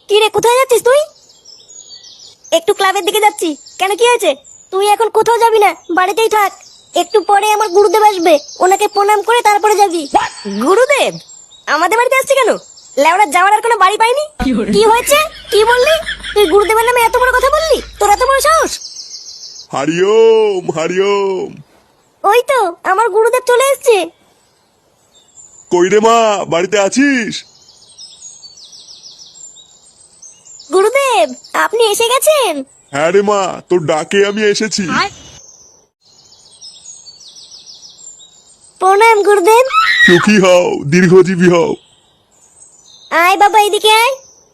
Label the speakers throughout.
Speaker 1: কি রে, কোথায় যাচ্ছিস তুই? একটু ক্লাবের দিকে যাচ্ছি। কেন, কি হয়েছে? তুই এখন কোথাও যাবি না, বাড়িতেই থাক। একটু পরে আমার গুরুদেব আসবে, ওনাকে প্রণাম করে তারপরে যাবি। গুরুদেব আমাদের বাড়িতে আসছে কেন? লেওড়া যাওয়ার আর কোনো বাড়ি পাইনি। কি হয়েছে? কি বললি? তুই গুরুদেবের নামে এত বড় কথা বললি? তোর এত বড় সাহস?
Speaker 2: হরিওম হরিওম।
Speaker 1: ওই তো আমার গুরুদেব চলে এসেছে।
Speaker 2: কই রে মা, বাড়িতে আছিস?
Speaker 1: গুরুদেব আপনি এসে গেছেন?
Speaker 2: হ্যাঁ রে মা, তোর ডাকে আমি এসেছি।
Speaker 1: প্রণাম গুরুদেব।
Speaker 2: সুখী হও, দীর্ঘজীবী হও।
Speaker 1: আয় বাবা, এদিকে আয়।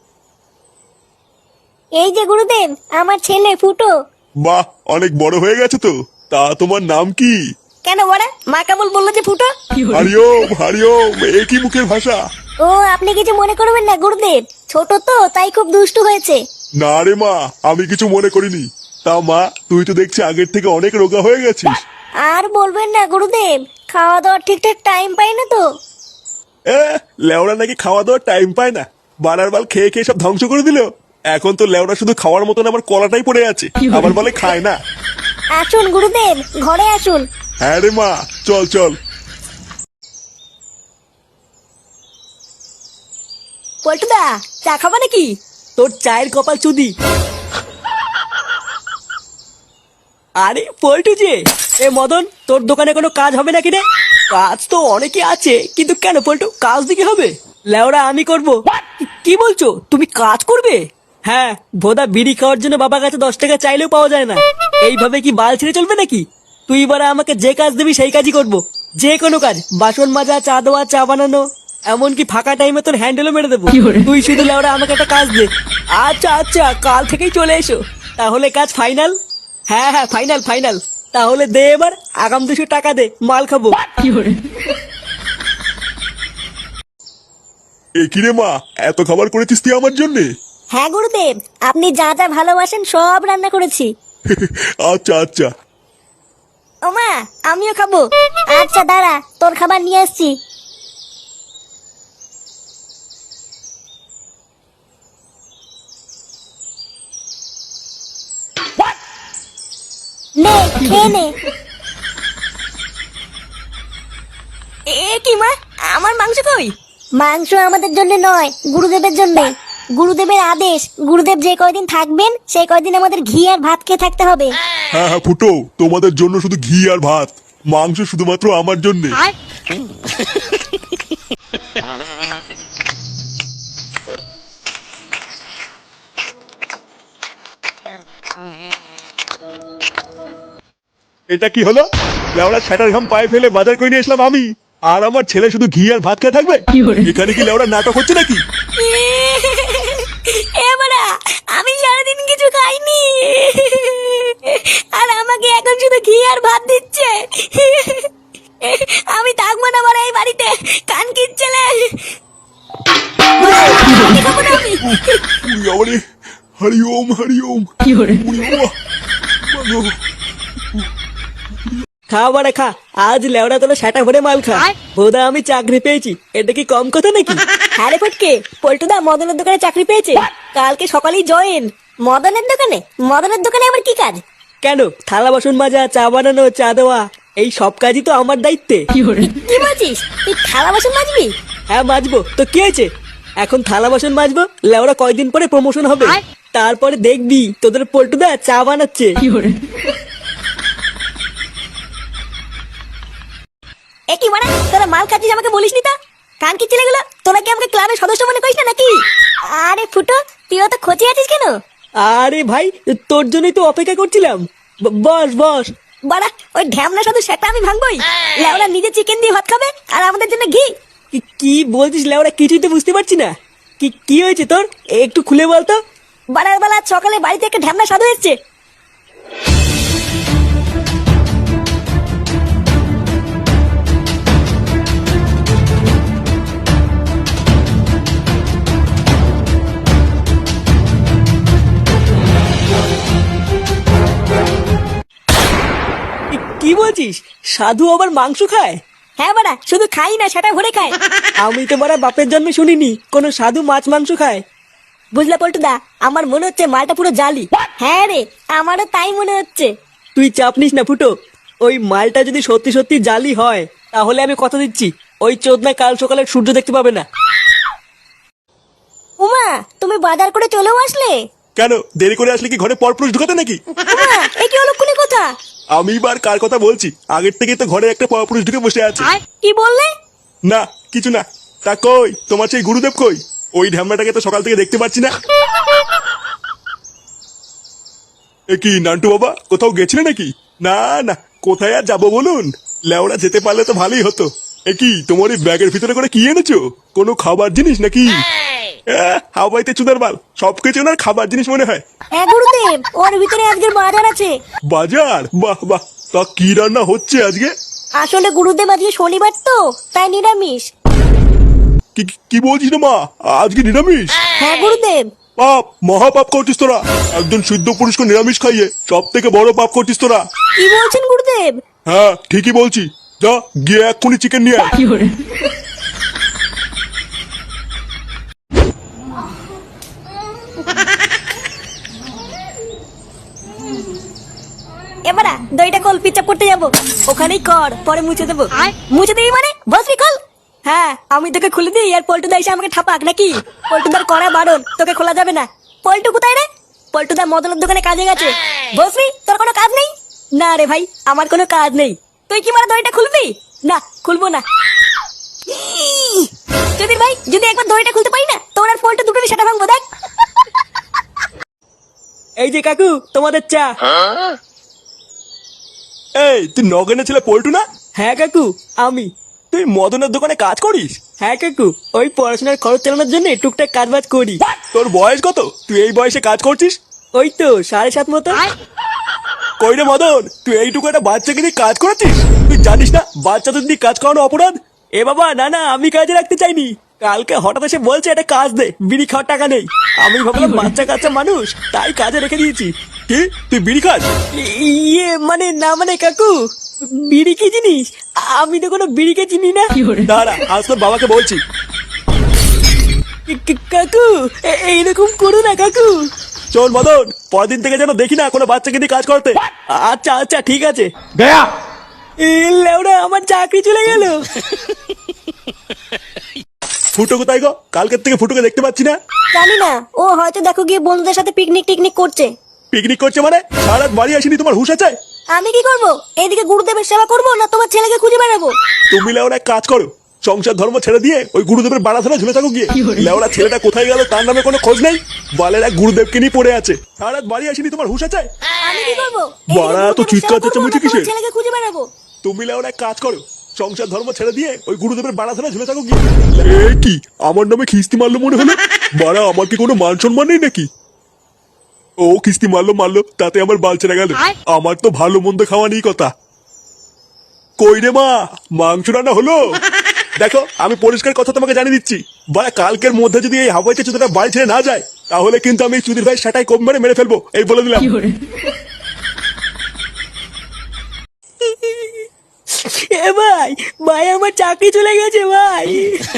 Speaker 1: এই যে গুরুদেব, আমার ছেলে ফুটো।
Speaker 2: বাহ, অনেক বড় হয়ে গেছে তো। তা তোমার নাম কি?
Speaker 1: কেন বড়া? মা কেমন বললো যে ফুটো?
Speaker 2: হরিওম হরিওম, এ কি মুখের ভাষা?
Speaker 1: ও, আপনি কিছু মনে করবেন না গুরুদেব, ছোট তো তাই খুব দুষ্টু হয়েছে।
Speaker 2: না রে মা, আমি কিছু মনে করিনি। তা মা, তুই তো দেখছি আগের থেকে অনেক রোগা হয়ে গেছিস।
Speaker 1: আর বলবেন না গুরুদেব, খাওয়া দাওয়ার ঠিকঠাক টাইম পাই না তো।
Speaker 2: লেওড়া নাকি খাওয়া দাওয়ার টাইম পায় না? বানার বাল খেয়ে খেয়ে সব ধ্বংস করে দিল। এখন তো লেওড়া শুধু খাওয়ার মতন আমার কলাটাই পড়ে আছে, আবার বলে খায় না।
Speaker 1: আসুন গুরুদেব, ঘরে আসুন।
Speaker 2: হ্যাঁ রে মা, চল চল।
Speaker 1: পল্টুদা, চা খাবা নাকি?
Speaker 3: তোর চায়ের কপাল চুদি। আরে পল্টু যে, এ মদন, তোর দোকানে কোনো কাজ হবে নাকি রে? কাজ তো অনেকে আছে, কিন্তু কেন পল্টু, কাজ দিকে হবে? লেওরা আমি করব। কি বলছো, তুমি কাজ করবে? হ্যাঁ, ভোদা বিড়ি খাওয়ার জন্য বাবার কাছে 10 টাকা চাইলেও পাওয়া যায় না। এইভাবে কি বাল ছেড়ে চলবে নাকি? তুই এবার আমাকে যে কাজ দিবি সেই কাজই করব। যে কোনো কাজ, বাসন মাজা, চা দেওয়া, চা বানানো, এমনকি ফাঁকা টাইমে তোর হ্যান্ডেলও মেরে দেবো। তুই শুধু লেওরা আমাকে একটা কাজ দে। আচ্ছা আচ্ছা, কাল থেকেই চলে এসো। তাহলে কাজ ফাইনাল? হ্যাঁ হ্যাঁ, ফাইনাল ফাইনাল। তাহলে দে এবার আগাম 200 টাকা দে, মাল খাবো।
Speaker 2: এ কি রে মা, এত খাবার করেছিস তুই আমার জন্যে?
Speaker 1: হ্যাঁ গুরুদেব, আপনি যা যা ভালোবাসেন সব রান্না করেছি।
Speaker 2: আচ্ছা আচ্ছা।
Speaker 1: ওমা, আমিও খাবো। আচ্ছা দাঁড়া, তোর খাবার নিয়ে আসছি। নে, খেয়ে নে। এ কি মা, আমার মাংস কই? মাংস আমাদের জন্য নয়, গুরুদেবের জন্য। গুরুদেবের আদেশ, গুরুদেব যে কয়দিন থাকবেন সেই কয়দিন আমাদের ঘি আর ভাত খেয়ে থাকতে হবে।
Speaker 2: হ্যাঁ হ্যাঁ ফুটো, তোমাদের জন্য শুধু ঘি আর ভাত, মাংস শুধুমাত্র আমার জন্যে। এটা কি হলো? লেওড়া ছ্যাটার ঘাম পায়ে ফেলে বাজার করে নিয়ে আসলাম আমি, আর আমার ছেলে শুধু ঘি আর ভাত খেয়ে থাকবে? এখানে কি লেওড়া নাটক হচ্ছে নাকি?
Speaker 1: এবারে আমি সারাদিন কিছু খাইনি, আর আমাকে এখন শুধু ঘি আর ভাত দিচ্ছে। আমি থাকবো না বড় এই বাড়িতে, কান কিচ্ছেলে।
Speaker 2: হরি ওম হরি ওম।
Speaker 3: খা বাড়া খা, আজ লেওড়া তোলা সেটা ভরে মাল খা। বোধা আমি চাকরি পেয়েছি, এটা কি কম কথা নাকি?
Speaker 1: আরে ফটকে, পল্টুদা মদনের দোকানে চাকরি পেয়েছে, কালকে সকালেই জয়েন। মদনের দোকানে? মদনের দোকানে আবার কি কাজ?
Speaker 3: কেন, থালা বাসন মাজা, চা বানানো, চা দেওয়া, এই সব কাজই তো আমার দায়িত্বে।
Speaker 1: কি বলছিস? তুই থালা বাসন মাজবি?
Speaker 3: হ্যাঁ মাজবো, তো কি হয়েছে? এখন থালা বাসন মাজবো, লেওড়া কয়দিন পরে প্রমোশন হবে, তারপরে দেখবি তোদের পল্টুদা চা বানাচ্ছে।
Speaker 1: এ কি মানে, তোরা মাল খাচ্ছিস আমাকে বলিসনি তো? কান কি ছেলেগুলো, তোরা কি আমাকে ক্লাবের সদস্য মনে করিস না নাকি? আরে ফুটো, তুইও তো খোঁচে আছিস কেন?
Speaker 3: আরে ভাই, তোর জন্যই তো অপেক্ষা করছিলাম। বস বস।
Speaker 1: বাড়া, ওই ঢ্যামনা শুধু সেটা আমি ভাঙবই। লেওরা নিজে চিকেন দিয়ে ভাত খাবে আর আমাদের জন্য ঘি।
Speaker 3: কি বলছিস লেওরা, কিছুই তো বুঝতে পারছি না। কি হয়েছে তোর, একটু খুলে বলতো।
Speaker 1: বাড়ার বেলা সকালে বাড়িতে একটা ঢ্যামনা সাধু এসছে।
Speaker 3: কি বলছিস, সাধু আবার মাংস খায়?
Speaker 1: হ্যাঁ বাড়া, শুধু খাই না, সেটা ভরে খায়।
Speaker 3: আমি তো বাড়া বাপের জন্মে শুনিনি কোনো সাধু মাছ মাংস খায়।
Speaker 1: বুঝলে পল্টুদা, আমার মনে হচ্ছে মালটা পুরো জালি। হ্যাঁ রে, আমারও তাই মনে হচ্ছে।
Speaker 3: তুই চাপ নিস না ফুটো, ওই মালটা যদি সত্যি সত্যি জালি হয় তাহলে আমি কথা দিচ্ছি ওই চোদনা কাল সকালে সূর্য দেখতে পাবে না।
Speaker 1: উমা, তুমি বাজার করে চলেও আসলে?
Speaker 2: কেন দেরি করে আসলে কি ঘরে পরপুরুষ ঢুকাতে নাকি?
Speaker 1: উমা, এ কি অলক্ষণী কথা?
Speaker 2: আমি বার কার কথা বলছি? আগের থেকে তো ঘরে একটা পরপুরুষ ঢুকে বসে আছে।
Speaker 1: কি বললে?
Speaker 2: না কিছু না। তা কই তোমার সেই গুরুদেব কই? ওই ঢ্যামনাটাকে তো সকাল থেকে দেখতে পাচ্ছি না। এ কি নান্টু বাবা, কোথাও গেছিলে নাকি? না না, কোথায় আর যাবো বলুন, লেওড়া যেতে পারলে তো ভালোই হতো। এ কি তোমার এই ব্যাগের ভিতরে করে কি এনেছো? কোনো খাবার জিনিস নাকি? হাওয়াইতে চুদার বাল, সবকিছু ওনার খাবার জিনিস মনে হয়।
Speaker 1: হ্যাঁ গুরুদেব, ওর ভিতরে আজকের বাজার আছে।
Speaker 2: বাজার? বাহ বাহ, তা কি রান্না হচ্ছে আজকে?
Speaker 1: আসলে গুরুদেব আজকে শনিবার তো, তাই নিরামিষ।
Speaker 2: কি কি বলছিস রে মা, আজকে নিরামিষ?
Speaker 1: হ্যাঁ গুরুদেব।
Speaker 2: পাপ, মহাপাপ করছিস তোরা। একজন শুদ্ধ পুরুষকে নিরামিষ খাইয়ে সব থেকে বড় পাপ করছিস তোরা।
Speaker 1: কি বলছেন গুরুদেব?
Speaker 2: হ্যাঁ ঠিকই বলছি, যা গিয়ে এক্ষুনি চিকেন নিয়ে আয়।
Speaker 1: এবারা দইটা কল, পিচাপ করতে যাবো। ওখানেই কর, পরে মুছে দেবো। মুছে দিই মানে? বসবি কল? হ্যাঁ, আমি তোকে খুলে দিই আর পল্টুদা এসে আমাকে ঠাপাক নাকি? পল্টুদার করা বারণ, তোকে খোলা যাবে না। পল্টু কোথায় রে? পল্টুদা মদনের দোকানে কাজে গেছে। বসবি, তোর কোনো কাজ নেই? না রে ভাই, আমার কোনো কাজ নেই। তুই কি মানে দইটা খুলবি? না, খুলবো না। যদি ভাই, যদি একবার দইটা খুলতে পারি না, তোর আর পল্টু দুটোরই সেটা ভাঙবো, দেখ।
Speaker 3: এই যে কাকু, তোমাদের চা।
Speaker 2: এই তুই নগেনে ছেলে পল্টু না?
Speaker 3: হ্যাঁ কাকু, আমি।
Speaker 2: তুই মদনের দোকানে কাজ করিস?
Speaker 3: হ্যাঁ কাকু, ওই পড়াশোনার খরচ চালানোর জন্য টুকটাক কাজ বাজ করি।
Speaker 2: তোর বয়স কত? তুই এই বয়সে কাজ করছিস?
Speaker 3: ওই তো 7.5 মতো।
Speaker 2: কই রে মদন, তুই এইটুকু একটা বাচ্চাকে নিয়ে কাজ করেছিস? তুই জানিস না বাচ্চাদের নিয়ে কাজ করানো অপরাধ?
Speaker 3: এ বাবা, না না, আমি কাজে রাখতে চাইনি। কালকে হঠাৎ এসে বলছে এটা কাজ দে, বিড়ি খাওয়ার টাকা নেই। আমি ভাবলাম বাচ্চা কাচ্চা মানুষ, তাই কাজে রেখে দিয়েছি।
Speaker 2: কি তুই বিড়ি খাস?
Speaker 3: ইয়ে মানে না মানে কাকু, বিড়ি কি জিনিস আমি তো কোনো বিড়িকে চিনি না।
Speaker 2: দাঁড়া, আজ তোর বাবাকে বলছি।
Speaker 3: কাকু, এইরকম করো না কাকু।
Speaker 2: চল মদন, পরের দিন থেকে যেন দেখি না কোনো বাচ্চাকে নিয়ে কাজ করতে।
Speaker 3: আচ্ছা আচ্ছা ঠিক আছে।
Speaker 2: গয়া
Speaker 3: লেওড়া, আমার চাকরি চলে গেল।
Speaker 2: ফুটো কোথায় গো? কালকের থেকে ফুটোকে দেখতে পাচ্ছি না।
Speaker 1: জানি না, ও হয়তো দেখো গিয়ে বন্ধুদের সাথে পিকনিক টিকনিক করছে।
Speaker 2: পিকনিক করছে মানে? সারা রাত বাড়ি আসিনি, তোমার হুঁশ আছে?
Speaker 1: আমি কি করবো? এইদিকে গুরুদেবের সেবা করবো না তোমার ছেলেকে খুঁজে বেড়াবো?
Speaker 2: তুমি লেওরা এক কাজ করো, সংসার ধর্ম ছেড়ে দিয়ে ওই গুরুদেবের বাড়া ধরে ঝুলে থাকো গিয়ে। লেওরা ছেলেটা কোথায় গেল তার নামে কোনো খোঁজ নেই। বালের এক গুরুদেবকে নিয়ে পড়ে আছে। সারা রাত বাড়ি আসিনি, তোমার হুঁশ আছে?
Speaker 1: আমি কি করবো?
Speaker 2: বাড়া তো চিৎকার চেঁচামেচি কিসের?
Speaker 1: ছেলেকে খুঁজে বেড়াবো।
Speaker 2: তুমি লেওরা এক কাজ করো, সংসার ধর্ম ছেড়ে দিয়ে ওই গুরুদেবের বাড়া ধরে ঝুলে থাকো গিয়ে। এ কি আমার নামে খিস্তি মারলো মনে হলো? বাড়া, আমার কি কোনো মান সম্মান নেই নাকি? ও কিস্তি মারলো মারলো, তাতে আমার বাল ছেড়ে গেল। আমার তো ভালো মন্দ খাওয়া নেই কথা। কই রে মা, মাংস রান্না হলো? দেখো, আমি পরিষ্কার কথা তোমাকে জানিয়ে দিচ্ছি, বাড়া কালকের মধ্যে যদি এই হাওয়াইতে চুদিটা বাড়ি ছেড়ে না যায়, তাহলে কিন্তু আমি চুদির ভাই সেটাই কম মেরে ফেলবো, এই বলে দিলাম।
Speaker 3: এ ভাই, ভাই আমার চাকরি চলে গেছে ভাই।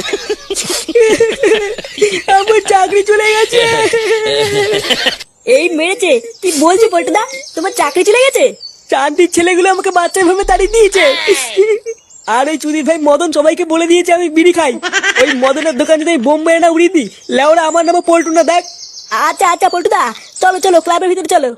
Speaker 3: আমার চাকরি চলে গেছে।
Speaker 1: এই মেরেছে? কি বলছি পল্টুদা, তোমার চাকরি চলে গেছে?
Speaker 3: শান্তির ছেলেগুলো আমাকে বাচ্চা ভাবে তাড়িয়ে দিয়েছে। আর ওই চুদির ভাই মদন সবাইকে বলে দিয়েছে আমি বিড়ি খাই। ওই মদনের দোকান যদি বোম মেরে না উড়িয়ে দিই, লেওরা আমার নামে পল্টু না, দেখ।
Speaker 1: আচ্ছা আচ্ছা পল্টুদা, চলো চলো ক্লাবের ভিতরে চলো।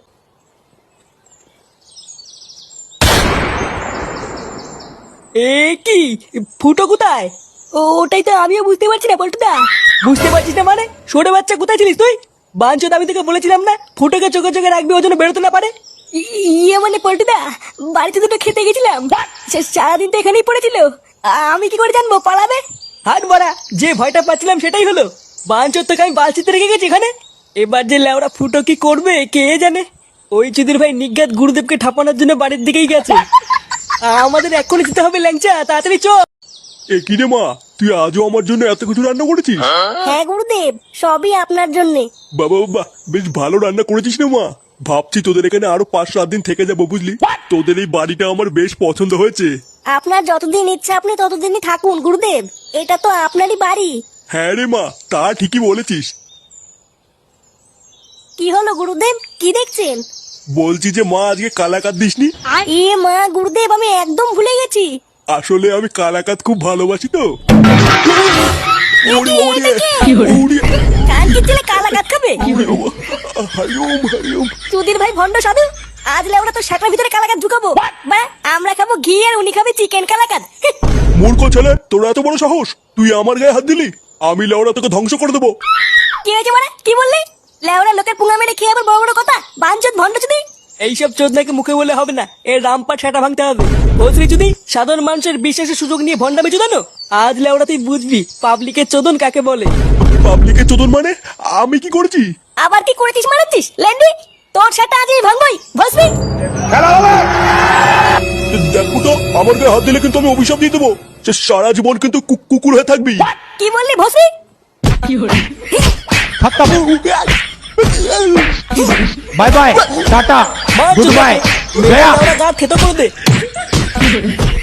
Speaker 3: এ কি, ফুটো কোথায়?
Speaker 1: ওটাই তো আমিও বুঝতে পারছি না পল্টুদা।
Speaker 3: বুঝতে পারছিস না মানে? ছোট বাচ্চা কোথায় ছিলিস তুই? বাঞ্চত, আমি তোকে বলেছিলাম না ফুটোকে চোখে চোখে রাখবি, ও যেন বেরোতে না পারে।
Speaker 1: ইয়ে মানে পল্টুদা, বাড়িতে দুটো খেতে গেছিলাম, সারাদিন তো এখানেই পড়েছিল। আমি কি করে জানবো পালাবে?
Speaker 3: হাট বাড়া, যে ভয়টা পাচ্ছিলাম সেটাই হলো। বাঞ্চত তোকে আমি বালচিতে রেখে গেছি এখানে। এবার যে লেওরা ফুটো কি করবে কে জানে। ওই চুদির ভাই নিজ্ঞাত গুরুদেবকে ঠাপানোর জন্য বাড়ির দিকেই গেছে। আমাদের এক্ষুনি যেতে হবে, ল্যাংচা তাড়াতাড়ি চল।
Speaker 2: এ কি রে মা, তুই আজও আমার জন্য এত কিছু রান্না করেছিস?
Speaker 1: হ্যাঁ গুরুদেব, সবই আপনার জন্যে।
Speaker 2: বাবা বাবা, বেশ ভালো রান্না করেছিস না মা। ভাবছি তোদের এখানে আরো 5-7 দিন থেকে যাবো, বুঝলি? তোদের এই বাড়িটা আমার বেশ পছন্দ হয়েছে।
Speaker 1: আপনার যতদিন ইচ্ছা আপনি ততদিনই থাকুন গুরুদেব, এটা তো আপনারই বাড়ি।
Speaker 2: হ্যাঁ রে মা, তা ঠিকই বলেছিস।
Speaker 1: কি হলো গুরুদেব, কি দেখছেন?
Speaker 2: বলছি যে মা আজকে কালাকাত দিসনি।
Speaker 1: এ মা গুরুদেব, আমি একদম ভুলে গেছি।
Speaker 2: আসলে আমি কালাকাত খুব ভালোবাসি তো। ওরে, ওরে,
Speaker 1: এটা কে?
Speaker 2: ওরে,
Speaker 1: কাল কি ছেলে কালা কাত খাবে?
Speaker 2: ওরে বাবা। হরিওম হরিওম।
Speaker 1: সুধীর ভাই ভন্ড সাধু, আজ লেওরা তো শাটার ভিতরে কালাকাত ঢুকাবো। বা আমরা খাবো ঘি আর উনি খাবে চিকেন কালাকাত।
Speaker 2: মূর্খ ছেলে, তোর এত বড় সাহস, তুই আমার গায়ে হাত দিলি? আমি লেওড়া তোকে ধ্বংস করে দেবো।
Speaker 1: কি হয়েছে মানে, কি বললি? লেওরা লোকের পুঙ্গা মেরে খেয়ে আবার বড় বড় কথা, বাঞ্চত ভন্ড চুদি।
Speaker 3: এইসব চোদনাকে মুখে বলে হবে না, এর রামপাট সেটা ভাঙতে হবে। বলছি যদি সাধারণ মানুষের বিশ্বাসের সুযোগ নিয়ে ভণ্ডামি চোদানো, আজ লেওড়া তুই বুঝবি পাবলিকের চোদন কাকে বলে।
Speaker 2: পাবলিকের চোদন মানে? আমি কি করেছি?
Speaker 1: আবার কি করেছিস মারাচ্ছিস ল্যান্ডি? তোর সেটা আজই ভাঙবই, ভসবি।
Speaker 2: দেখো তো, আমার গায়ে হাত দিলে কিন্তু আমি অভিশাপ দিয়ে দেবো। সে সারা জীবন কিন্তু কুকুর হয়ে থাকবি।
Speaker 1: কি বললি ভসবি?
Speaker 4: बाय बाय टाटा
Speaker 3: মার
Speaker 4: गुड
Speaker 3: চোদনা।
Speaker 4: बाय
Speaker 3: মেরে
Speaker 4: गया
Speaker 3: লেওড়া দাঁত খেতে করে দে।